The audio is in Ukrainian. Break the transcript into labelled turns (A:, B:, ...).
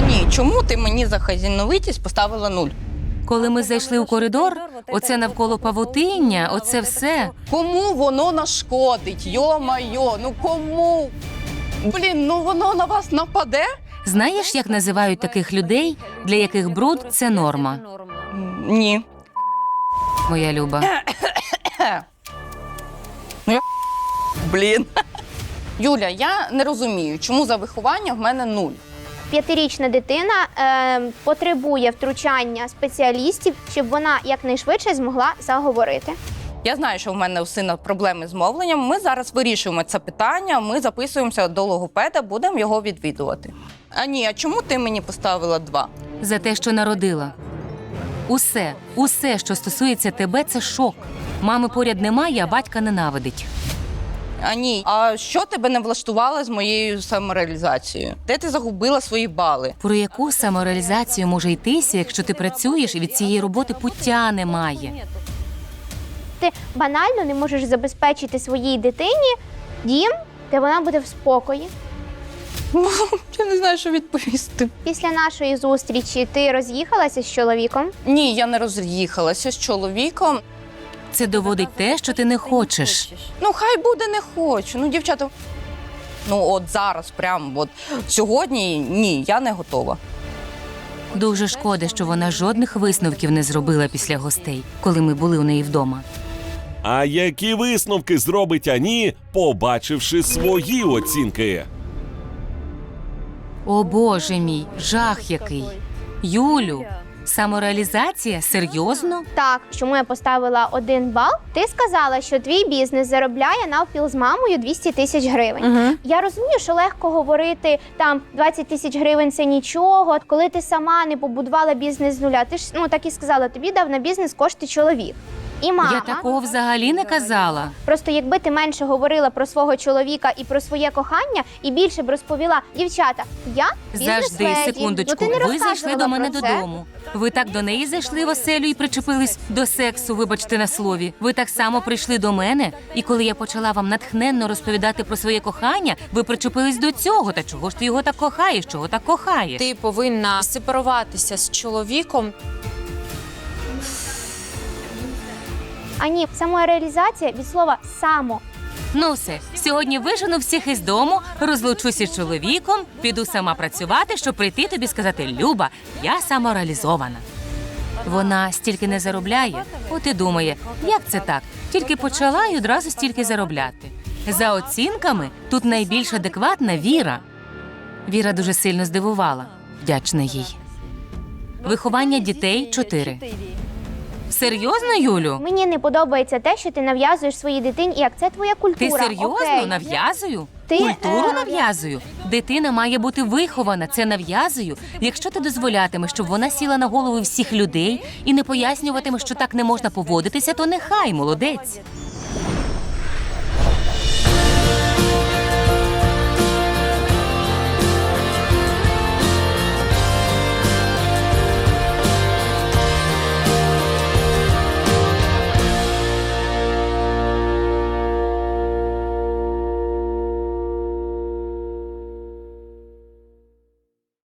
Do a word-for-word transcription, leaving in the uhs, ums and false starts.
A: Ані, чому ти мені за хазяйновитість поставила нуль?
B: Коли ми зайшли у коридор, оце навколо павутиння, оце все.
A: Кому воно нашкодить? Йо-майо, ну кому? Блін, ну воно на вас нападе?
B: Знаєш, як називають таких людей, для яких бруд – це норма?
A: Ні.
B: Моя Люба.
A: Блін. Юля, я не розумію, чому за виховання в мене нуль.
C: П'ятирічна дитина е, потребує втручання спеціалістів, щоб вона якнайшвидше змогла заговорити.
A: Я знаю, що в мене у сина проблеми з мовленням. Ми зараз вирішуємо це питання, ми записуємося до логопеда, будемо його відвідувати. А ні, а чому ти мені поставила два?
B: За те, що народила. Усе, усе, що стосується тебе – це шок. Мами поряд немає, а батька ненавидить.
A: А ні, а що тебе не влаштувало з моєю самореалізацією? Де ти загубила свої бали?
B: Про яку самореалізацію може йтися, якщо ти працюєш і від цієї роботи пуття немає?
C: Ти банально не можеш забезпечити своїй дитині дім, де вона буде в спокої.
A: Я не знаю, що відповісти.
C: Після нашої зустрічі ти роз'їхалася з чоловіком?
A: Ні, я не роз'їхалася з чоловіком.
B: Це доводить те, що ти не хочеш.
A: Ну, хай буде, не хочу. Ну, дівчата, ну от зараз, прямо от сьогодні, ні, я не готова.
B: Дуже шкода, що вона жодних висновків не зробила після гостей, коли ми були у неї вдома.
D: А які висновки зробить Ані, побачивши свої оцінки?
B: О, Боже мій, жах який. Юлю, самореалізація? Серйозно?
C: Так, чому я поставила один бал? Ти сказала, що твій бізнес заробляє навпіл з мамою двісті тисяч гривень.
A: Угу.
C: Я розумію, що легко говорити, там, двадцять тисяч гривень – це нічого. Коли ти сама не побудувала бізнес з нуля, ти ж, ну, так і сказала, тобі дав на бізнес кошти чоловік. І мама.
B: Я такого взагалі не казала.
C: Просто якби ти менше говорила про свого чоловіка і про своє кохання, і більше б розповіла, дівчата, я бізнес-леді.
B: Завжди, секундочку,
C: Ну, ти не
B: ви зайшли
C: розказувала
B: до мене
C: про це.
B: додому. Ви так до неї зайшли в оселю і причепились до сексу, вибачте на слові. Ви так само прийшли до мене, і коли я почала вам натхненно розповідати про своє кохання, ви причепились до цього. Та чого ж ти його так кохаєш, чого так кохаєш?
E: Ти повинна сепаруватися з чоловіком.
C: А ні, самореалізація від слова «само».
B: Ну все, сьогодні вижену всіх із дому, розлучуся з чоловіком, піду сама працювати, щоб прийти тобі сказати: Люба, я самореалізована. Вона стільки не заробляє, от і думає, як це так? Тільки почала і одразу стільки заробляти. За оцінками, тут найбільш адекватна Віра. Віра дуже сильно здивувала. Вдячна їй. Виховання дітей – чотири. Серйозно, Юлю?
C: Мені не подобається те, що ти нав'язуєш своїй дитині, як це твоя
B: Ти
C: культура.
B: серйозно
C: Окей.
B: нав'язую?
C: Ти,
B: Культуру
C: е,
B: нав'язую? Дитина має бути вихована, це нав'язую. Якщо ти дозволятимеш, щоб вона сіла на голови всіх людей і не пояснюватимеш, що так не можна поводитися, то нехай, молодець.